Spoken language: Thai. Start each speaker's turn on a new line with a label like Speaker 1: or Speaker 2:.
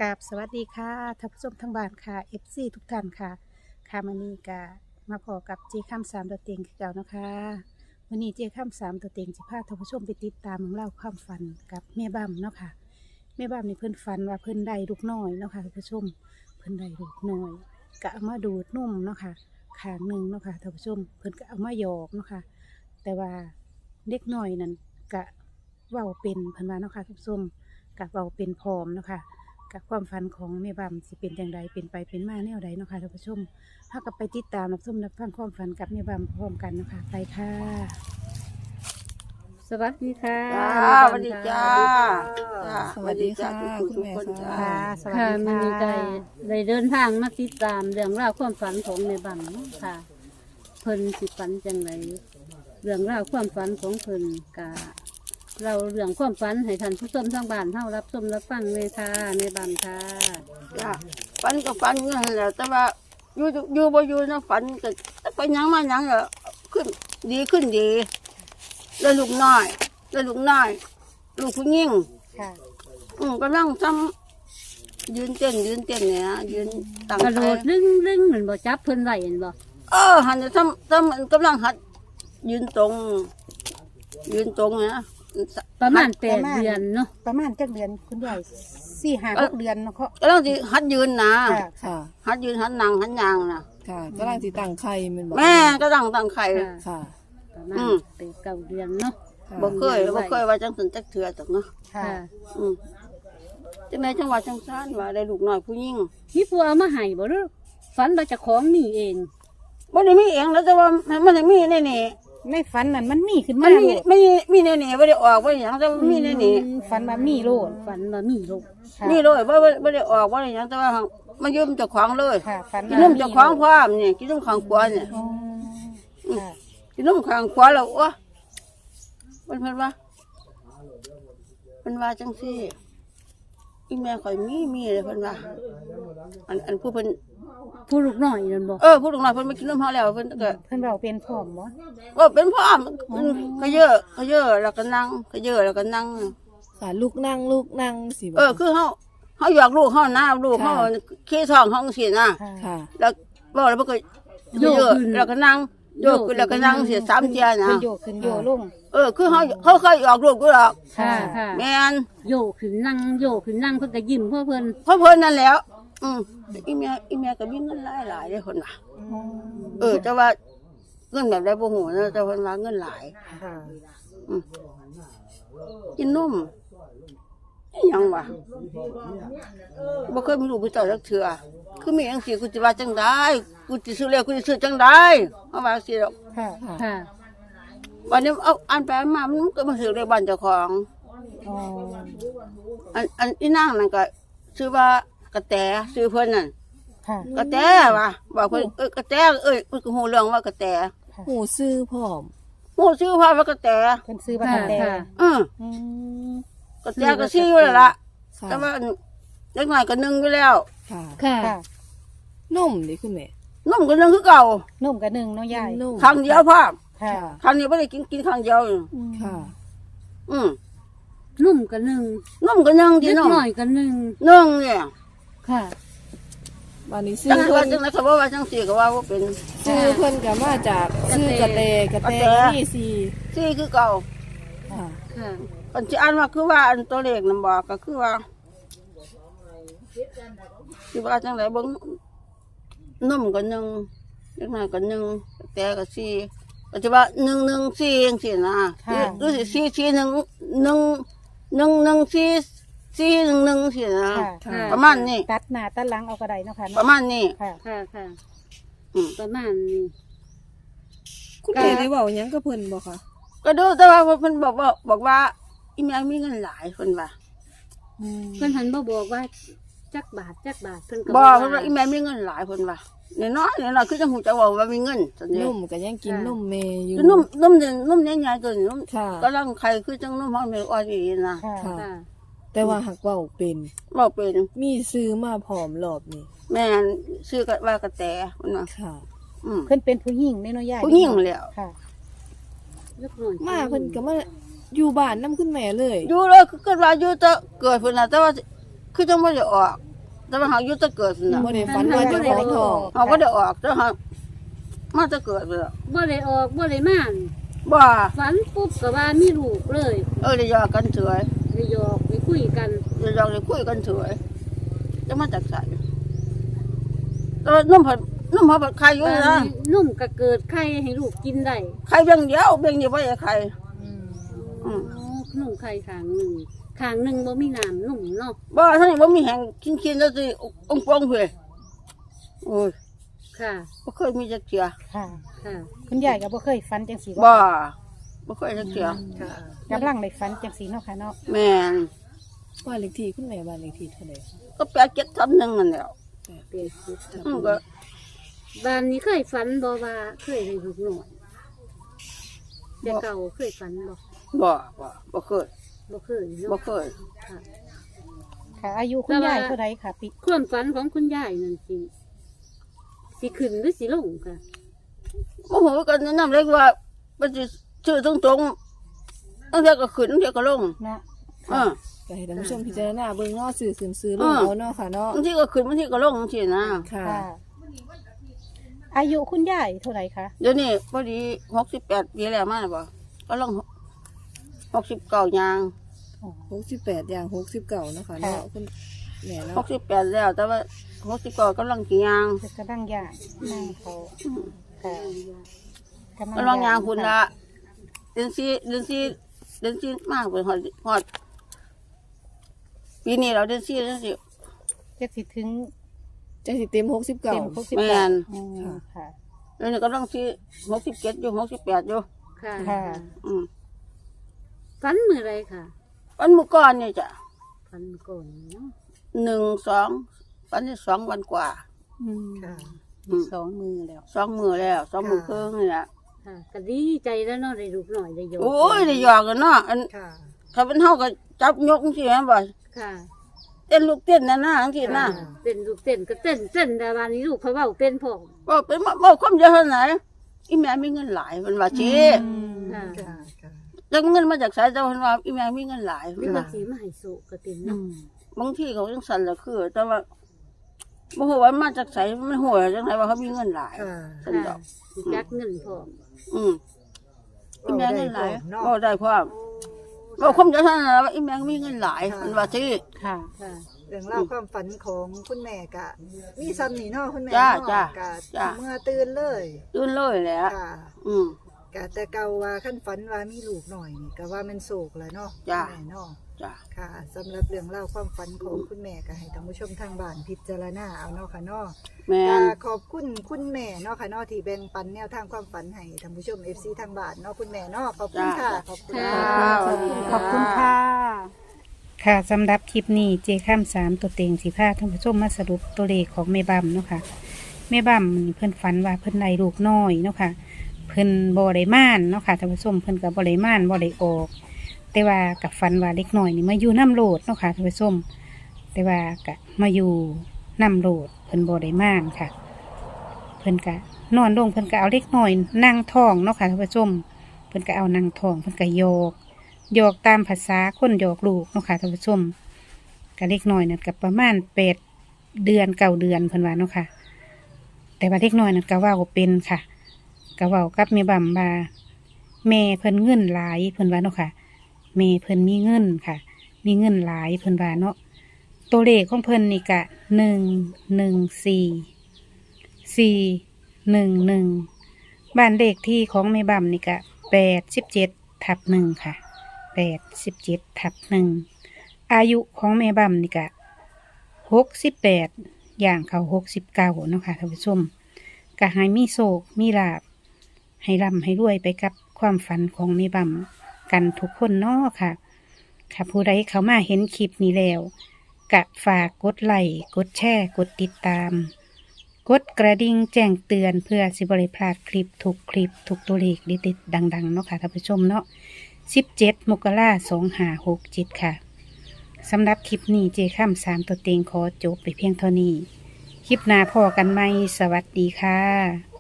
Speaker 1: กราบสวัสดีค่ะท่านผู้ชมทั้งบ้านค่ะ FC ทุกท่านค่ะค่ะมื้อนี้ก็มาพอกับเจข้ามสามตัวเต็งคือเก่านะคะวันนี้เจข้ามสามตัวเต็งจะพาท่านผู้ชมไปติดตามเรื่องเล่าวความฝันกับแม่บ้ามเนาะค่ะแม่บ้ามนี่เพิ่นฝันว่าเพิ่นได้ลูกน้อยเนาะค่ะท่านผู้ชมเพิ่นได้ลูกน้อยก็เอามาดูดนมเนาะค่ะข้างหนึ่งเนาะค่ะท่านผู้ชมเพิ่นก็เอามาหยอกเนาะค่ะแต่ว่าเด็กน้อยนั่นก็เว้าเป็นเพิ่นว่าเนาะค่ะท่านผู้ชมก็เว้าเป็นพร้อมเนาะค่ะ กับความฝันของแม่บัมสิเป็นอย่างไรเป็นไปเป็นมาแนวใดเนาะค่ะท่านผู้ชมถ้ากับไปติดตามรับชมรับฟังความฝันกับแม่บัมพร้อมกันเนาะคะไปค่ะ สวัสดีค่ะ
Speaker 2: จ้าสวัสดีจ้า
Speaker 3: สวัสดีค่ะ
Speaker 2: ทุกคนจ้า
Speaker 1: ค่ะสวัส
Speaker 3: ค่ะ
Speaker 1: ดี
Speaker 3: มันมีใจ
Speaker 1: ค่ะ
Speaker 3: ได้เดินทางมาติดตามเรื่องราวความฝันของแม่บังเนาะค่ะ เพิ่นสิฝันจังไรเรื่องราวความฝันของเพิ่นกะเราเรื่องความฝันให้ท่านผู้ชมทางบ้านเฮารับชมรับฟังเลยค่ะแม่บังค่ะ
Speaker 2: จ้าฝันก็ฝันนั่นแหละแต่ว่าอยู่บ่อยู่นะฝันก็ไปหยังมาหยังก็ขึ้นดีแล้วลูกน้อยลูกผู้หญิง
Speaker 1: ค่ะ
Speaker 2: กำลังทำยืนเต้นเนี่ยนะยืนตั้ง
Speaker 3: กระโด
Speaker 2: ใจ
Speaker 3: ดลึงเหมือนบ่จับเพิ่นไว้เห็นบ่
Speaker 2: หันจะทำกำลังหัดยืนตรงนะ
Speaker 3: ประมาณ8 เดือนเนาะ
Speaker 1: ประมาณจักเดือนคุณยาย4-5-6 เดือนเนาะเขา
Speaker 2: กำลังสิหัดยืนนะ
Speaker 1: ค่ะ
Speaker 3: ค่ะ
Speaker 2: หัดยืนหัดนั่งหัดยางนะ
Speaker 4: ค่ะกำลังสิตั้งไข่แมันบอก
Speaker 2: แม่ก็ตั้งไข่
Speaker 4: ค่ะ
Speaker 3: ประมาณ8-9 เดือนเนาะ
Speaker 4: ค่ะ
Speaker 2: บ่เคยว่าจังสันจักเถื่อจักเนาะ
Speaker 1: ค่ะ
Speaker 3: ค่ะ
Speaker 2: จังไดจังหวัดจังซ่านว่าได้ลูกน้อยผู้หญิง
Speaker 3: มีผู้เอามาให้บ่หรือฝันว่าเจะของมีเอง
Speaker 2: บ่ได้มีเองแล้วแต่ว่ามันได้มีแน่
Speaker 1: ในฝันนั่นมันมีขึ้น
Speaker 2: ๆ
Speaker 1: มา
Speaker 2: มันมีแน่ๆบ่ได้ออกบ่ได้หยังแต่ว่ามีแน่
Speaker 1: ฝันว่ามีโลด
Speaker 3: ฝันว่ามีลูก
Speaker 1: ค่ะ
Speaker 2: ๆมีเลยบ่ได้ออกบ่ได้หยังแต่ว่ามายืมเจ้าของเลย
Speaker 1: ค่ะฝัน
Speaker 2: กินนมเจ้าของพร้อมนี่กินนมข้างขวาเนี่ย
Speaker 1: อ๋อค่ะ
Speaker 2: กินนมข้างขวาแล้วโอ้เพิ่นว่าจังซี่อีแม่ข่อยมีเลยเพิ่นว่าอันผู้เพิ่น
Speaker 3: ผู้ลูกน้อยนั่นบ่
Speaker 2: ผู้ลูกน้อยเพิ่นมากินนมเฮาแล้วเพิ่นก็
Speaker 1: เพิ่นเว้าเป็นพร้อมบ่
Speaker 2: ว่าเป็นพ่อมันก็เยอะแล้วก็นั่งก็เยอะแล้วก็นั่ง
Speaker 4: ค่ะลูกนั่งสิบอก
Speaker 2: คือเขาอยากลูกเขาหน้าลูกเขาขี้ท้องเขาสินะ
Speaker 1: ค่ะ
Speaker 4: ค่ะ
Speaker 2: แล้วบอกแล้วมันก็เยอะแล้วก็นั่งโยกขึ้นแล้วก็นั่งเสีย3 เทียนะ
Speaker 1: ขึ้นโยกขึ้นโยลง
Speaker 2: คือเขาเคยออกลูกกูหรอก
Speaker 3: ค่ะค่ะ
Speaker 2: แม่น
Speaker 3: โยกขึ้นนั่งเพิ่นก็ยิ้มเพื่อเพิ่น
Speaker 2: เพราะเพิ่นนั่นแล้วอีเมียก็มีเงินหลายเลยคนว่าแต่ว่าเงินแบบใดบ่ฮู้นะแต่เพิ่นว่าเงินหลาย
Speaker 1: ค่ะ
Speaker 2: กินนมอิหยังวะบ่เคยมีลูกมีเต้าจักเทื่อคือมีจังซี่กูสิว่าจังได๋กูสิซื้อแล้วกูสิซื้อจังได๋เอาว่าสิดอก
Speaker 1: ค่ะ
Speaker 3: ค่ะ
Speaker 2: วันนี้เอาอ่านไปอ่านมามันก็มาซื้อในบ้านเจ้าของ
Speaker 1: อ๋อ
Speaker 2: อันอีนางนั่นก็ชื่อว่ากระแตชื่อเพิ่นนั่น
Speaker 1: ค่ะ
Speaker 2: กระแตว่ะบอกเพิ่นกระแตมันก็ฮู้เรื่องว่ากระแต
Speaker 4: หูซื้อพร้อม
Speaker 2: ฮู้ชื่อว่าากระแต
Speaker 1: เพิ่นซื้อบัตรแต่
Speaker 3: ค่ะ
Speaker 2: อืม
Speaker 1: อืม
Speaker 2: กระแตก็ชื่ออยู่แล้วล่ะ
Speaker 4: ค่ะ
Speaker 2: แต่ว่าเด็กน้อยก็นึ่งอยู่แล้ว
Speaker 4: ค่ะ
Speaker 3: ค่ะ
Speaker 1: ค่ะ
Speaker 4: นมดิคุณแม่
Speaker 2: นมก็นึ่งคือเก่าน
Speaker 1: มกับหนึ่งเนาะยาย
Speaker 4: นม
Speaker 2: ครั้งเดียวพร้อม
Speaker 1: ค่ะ
Speaker 2: ครั้งนี้บ่ได้กินครั้งเดียว
Speaker 4: ค่ะ
Speaker 2: อืม
Speaker 3: นุ่มก็นึ่ง
Speaker 2: นมก็นึ่ง
Speaker 3: เล็
Speaker 2: ที่
Speaker 3: ก
Speaker 2: นม
Speaker 3: น้อยก็นึ่ง
Speaker 2: นึ่งเนี่ย
Speaker 3: ค่ะ
Speaker 4: วันนี้ซื้
Speaker 2: จั
Speaker 4: อง
Speaker 2: ว่า
Speaker 4: เพิ่น
Speaker 2: จังได๋ก็บ่ว่าจังซี่ก็ว่าบ่เป็น
Speaker 4: ซื้อเพิ่นก็มาจากซื้อกระแตก็มีสี่
Speaker 2: ซี่คือเก่า
Speaker 4: ค่ะ
Speaker 3: ค่ะ
Speaker 2: อันที่อ่านว่าคือว่าอันตัวเลขนำบอกก็คือว่าคือว่าจังไดเบิ่งนมก็1เล็กน้อยก็1แต่ก็4ก็จะว่า114จังซี่นะหรือสิ441114411สินะ
Speaker 1: ค่ะ
Speaker 4: ค่ะ
Speaker 2: ประมาณนี้
Speaker 1: ตัดหน้าตัดหลังเอาก็ได้เนาะค่ะ
Speaker 2: ป
Speaker 1: เนาะ
Speaker 2: ระมาณนี้
Speaker 1: ค่ะ
Speaker 3: ค่ะค่ะ
Speaker 2: อืม
Speaker 3: ประมาณนี้
Speaker 4: คุณแม่ได้เว้าหยังกับเพิ่นบ่คะ
Speaker 2: ก็ดูแต่ว่าเพิ่นบอกว่าอีแม่มีเงินหลายเพิ่นว่า
Speaker 1: อืม
Speaker 3: เพิ่นหันบ่บอกว่าจักบาทเพิ่นก็
Speaker 2: บอกเพิ่นว่าอีแม่มีเงินหลายเพิ่นว่าน้อยคือจังหูจะว่ามีเงินซั่น
Speaker 4: น
Speaker 2: เด้
Speaker 4: มก็ยังกินนมแม่อยู่
Speaker 2: คือนมใหญ่ๆตัวนี้นม
Speaker 4: ค่ะ
Speaker 2: กำลังไข่คือจังนมเฮาแม่อ่อนอีนะ
Speaker 1: ค่ะ
Speaker 4: ค่ะ
Speaker 3: ค่ะ
Speaker 4: แต่ว่าหักเว้าเป็น
Speaker 2: บ่เป็น
Speaker 4: มีซื้อมาพร้อมรอบนี้
Speaker 2: แม่นชื่อก็ว่ากระแตเพิ่นว่า
Speaker 4: ค่ะ
Speaker 1: เพิ่นเป็นผู้หญิงเนาะยาย
Speaker 2: ผู้หญิงแล้ว
Speaker 1: ค่ะ
Speaker 3: เล็กน้อย
Speaker 4: มาเพิ่นก็มาอยู่บ้านนํคุณแม่เลย
Speaker 2: อยู่เลยคือเกิดว่าอยู่แต่เกิดเพิ่นน่ะแต่ว่าคือจังบ่ได้ออกแต่ว่าเขาอยู่แตะเกิดน่ะ
Speaker 4: บ่ได้ฝันว่าเจะของทอง
Speaker 2: เขาก็ได้ออกแต่เขามาแตะเกิดเลย
Speaker 3: บ่ได้ออกบ่ได้มานี่
Speaker 2: บ่
Speaker 3: ฝันปุ๊บก็ว่ามีลูกเลย
Speaker 2: ได้ยอกันเฉย
Speaker 3: ได้หยอกได้คุยกัน
Speaker 2: ได้ยอได้คุยกันเฉยจะมาจากไสแล้วนุ่มผัดไข่อยู่
Speaker 3: บ้าน
Speaker 2: นะ
Speaker 3: นี้นุ่มก็เกิดไข่ให้ลูกกินได้
Speaker 2: ไข่เบี้ยงเดียวไว้ให้ไข่ อืม
Speaker 3: นุ่มไข่ข้างหนึ่งบ่มีน้ำนุ่มเนาะ
Speaker 2: บ่ท่านนี่บ่มีแห้งกินแล้วสิองค์ปองเพิ่นโอ้ย
Speaker 3: ค่ะ
Speaker 2: บ่เคยมีจักเทื่อ
Speaker 1: ค่ะ
Speaker 3: ค่ะ
Speaker 1: คุณยายก็บ่เคยฝันจังสี
Speaker 2: บ่เคยจักเทื่อ
Speaker 4: ค่ะ
Speaker 1: กำลังได้ฝันจังสีเนาะค่ะเนาะ
Speaker 2: แม่น
Speaker 4: บ้านเลขที่คุณแม่บ้านเลขที่เท่าใด
Speaker 2: ก็แปล731นั่นแหล้ว
Speaker 3: เปลี่ยนชุด
Speaker 2: ก็
Speaker 3: บ้านนี้เคยฝันบ่ว่าเคยได้ลูกน้อยแต่เก่าเคยฝันบ่
Speaker 2: บ่เคย
Speaker 3: บ่เคย
Speaker 2: บ่
Speaker 3: เนาะ
Speaker 2: เคย
Speaker 3: ค่ะ
Speaker 1: ค่ะ อายุคุณยายเท่าไรค่ะปี
Speaker 3: ความฝันของคุณยายนั่นสิขึ้นหรือสิลงค่ะ
Speaker 2: บ่ฮู้กันนำเลยว่ามันสิชื่อตรงๆตั้งแต่ก็ขึ้นตั้งแต่ก็ลง
Speaker 1: เนาะ
Speaker 4: ก็ให้ท่านผู้ชมพิจารณาเบิ่งเนาะสื่อขึ้นซื้อลงเอาเนาะค่ะเนาะ
Speaker 2: บางทีก็ขึ้นบางทีก็ลงจังซี่นะ
Speaker 4: ค่ะ
Speaker 1: ค่ะ อายุคุณยายเท่าไรคะ
Speaker 2: เดี๋ยวนี้พอดี68ปีแล้วมาแล้วบ่ก็ลง69ย่าง
Speaker 1: อ๋อ
Speaker 4: 68อย่าง69เนาะค่ะเนาะคุณแม่เนาะ
Speaker 2: 68แล้วแต่ว่า69กำลังสิย่าง
Speaker 1: คือกระดังยางนั่งเขาค่ะ
Speaker 2: กำลังย่างพุ่นละเดือน4มากไปฮอดปีนี้เราเดือน4แล้วสิ
Speaker 1: จะสิถึง
Speaker 4: จะสิเต็ม
Speaker 1: เต็ม
Speaker 4: 69
Speaker 1: 60
Speaker 2: แม่น
Speaker 1: อืมค่ะ
Speaker 2: แล้วนี่กำลังสิ67อยู่68อยู่
Speaker 3: ค่ะ
Speaker 1: ค่ะ
Speaker 2: อืม
Speaker 3: ฝันมื้อไรค่ะ
Speaker 2: วันมื้อก่อนนี่จ้ะ
Speaker 3: ฝันก่อนเนาะ
Speaker 2: 1 2วันที่2วันกว่า
Speaker 1: อืม
Speaker 4: ค่ะ
Speaker 2: อืม
Speaker 1: สองมือแล้ว
Speaker 2: 2มื้อแล้ว2มื้อครึ่งนี่แหละ
Speaker 3: ค่ะก็ดีใจแล้วเนาะได้ลูกน้อยได้หยอก
Speaker 2: โอ้ยได้หยอกกันเนาะอัน
Speaker 4: ค่ะ
Speaker 2: ถ้าเป็นเฮาก็จับยกจังซี่แม่นบ่
Speaker 3: ค่ะ
Speaker 2: เต้นลูกเต้นนั่นนะจังซี่นะ
Speaker 3: เต้นลูกเต้นก็เต้นแต่วันนี้ลูกเขาเว้าเป็นพร้อม
Speaker 2: บ่เป็นบ่ความเดียวเท่าไหนอีแม่มีเงินหลายเพิ่นว่าสิ
Speaker 3: ค่ะ
Speaker 4: ค่ะค่ะ
Speaker 2: แล้วเงินมาจากไสแต่เพิ่นว่าอีแม่มีเงินหลาย
Speaker 3: หรื
Speaker 2: เพิ่
Speaker 3: อน ว่า
Speaker 2: ว่า
Speaker 3: สิมาให้โศกก็เป็น
Speaker 1: อื
Speaker 3: เนาะ
Speaker 1: ม
Speaker 2: บางทีเขาจังซั่นล่ะคือ แต่ว่าบ่ฮู้ว่ามาจากไสมันฮู้ว่าจังไดว่าเขามีเงินหลาย
Speaker 4: ค่ะ
Speaker 2: ซั่นด
Speaker 3: ค่ะ
Speaker 2: อก
Speaker 3: สิจักเงินพร้อม
Speaker 2: อืมอีแม่เงินหลาย
Speaker 4: เนาะ
Speaker 2: บ่ได้พร้อมบ่ความเดียวเท่านั้นล่ะว่าอีแม่มีเงินหลายเพิ่นว่าสิ
Speaker 1: ค่ะ
Speaker 3: ค่ะ
Speaker 5: เรื่องเล่าวความฝันของคุณแม่กะ มีซ้ำนี่เนาะคุณแม่
Speaker 2: จ้า
Speaker 5: เนาะ
Speaker 2: จ้า
Speaker 5: กะ
Speaker 2: จ้า
Speaker 5: เมื่อตื่นเลย
Speaker 2: ตื่นเลยแหละ
Speaker 5: ค่ะ
Speaker 2: อืม
Speaker 5: กะแต่เก่าว่าขั้นฝันว่ามีลูกหน่อยนี่ก็ว่ามันโศกแล้วเนาะ
Speaker 2: จ้า
Speaker 5: คุณแม่เนาะ
Speaker 2: จ้ะ
Speaker 5: ค่ะสำหรับเรื่องเล่าวความฝันของคุณแม่ก็ให้ท่านผู้ชมทางบ้านพิจารณาเอาเนาะค่ะเนาะ
Speaker 2: แม่
Speaker 5: ก็
Speaker 2: น
Speaker 5: ขอบคุณคุณแม่เนาะค่ะเนาะที่แบ่งปันแนวทางความฝันให้ท่านผู้ชม FC ทางบ้านเนาะคุณแม่เนาะขอบคุณค่ะขอบคุณ
Speaker 3: ค่ะ
Speaker 5: ค่ะ
Speaker 1: ขอบคุณค่ะ ค่ะสำหรับคลิปนี้เจข้าม3ตัวเต็งสิพาท่านผู้ชมมาสรุปตัวเลขของแม่บัมเนาะค่ะแม่บัมนี่เพิ่นฝันว่าเพิ่นได้ลูกน้อยเนาะค่ะเพิ่นบ่ได้ม่านเนาะค่ะท่านผู้ชมเพิ่นก็บ่ได้ม่านบ่ได้ออก แต่ว่ากับฝันว่าเล็กน้อยนี่มาอยู่น้ำโลดเนาะค่ะท่านผู้ชมแต่ว่าก็มาอยู่น้ำโลดเพิ่นบ่ได้ม่านค่ะ เพิ่นก็นอนลงเพิ่นก็เอาเล็กน้อยนั่งท้องเนาะค่ะท่านผู้ชมเพิ่นก็เอานั่งท้องเพิ่นก็โยกตามภาษาคนโยกลูกเนาะค่ะท่านผู้ชมก็เล็กน้อยนั่นก็ประมาณ8 เดือน9 เดือนเพิ่นว่าเนาะค่ะ แต่ว่าเล็กน้อยนั่นก็เว้าเป็นค่ะก็เว้ากับแม่บัมว่าแม่เพิ่นเงินหลายเพิ่นว่าเนาะค่ะแม่เพิ่นมีเงินค่ะ มีเงินหลายเพิ่นว่าเนาะตัวเลขของเพิ่นนี่ก็114 บ้านเลขที่ของแม่บัมนี่ก็87/1ค่ะ87/1อายุของแม่บัมนี่ก็68อย่างเขา69เนาะค่ะท่านผู้ชมก็ให้มีโชคมีลาภให้ร่ำให้รวยไปกับความฝันของแม่บัมกันทุกคนเนาะค่ะค่ะผู้ใดเข้ามาเห็นคลิปนี้แล้วก็ฝากกดไลค์กดแชร์กดติดตามกดกระดิ่งแจ้งเตือนเพื่อสิบริพลาดคลิปทุกตัวเลขดิดๆดังๆเนาะค่ะท่านผู้ชมเนาะ17 มกราคม 2567ค่ะสำหรับคลิปนี้เจข้าม3ตัวเต็งขอจบไปเพียงเท่านี้คลิปหน้าพอกันไหมสวัสดีค่ะ